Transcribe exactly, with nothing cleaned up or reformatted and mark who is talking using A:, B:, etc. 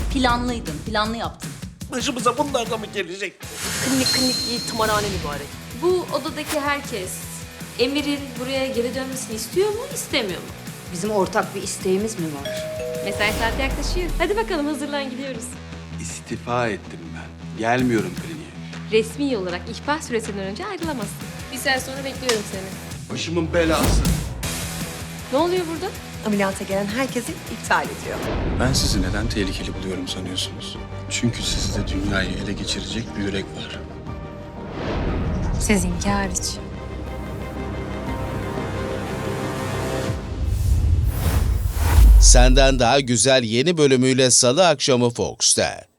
A: Planlıydın, planlı yaptın.
B: Başımıza bunlar da mı gelecek?
C: Klinik klinik değil, tımarhane mübarek.
D: Bu odadaki herkes Emir'in buraya geri dönmesini istiyor mu, istemiyor mu?
E: Bizim ortak bir isteğimiz mi var?
D: Mesai saati yaklaşıyor. Hadi bakalım hazırlan gidiyoruz.
F: İstifa ettim ben. Gelmiyorum kliniğe.
D: Resmi olarak ihbar süresinden önce ayrılamazsın. Bir saat sonra bekliyorum seni.
F: Başımın belası.
D: Ne oluyor burada?
C: Ameliyata gelen herkesi iptal ediyor.
F: Ben sizi neden tehlikeli buluyorum sanıyorsunuz? Çünkü sizde dünyayı ele geçirecek bir yürek var.
G: Sizinki hariç.
H: Senden Daha Güzel yeni bölümüyle Salı akşamı Fox'ta.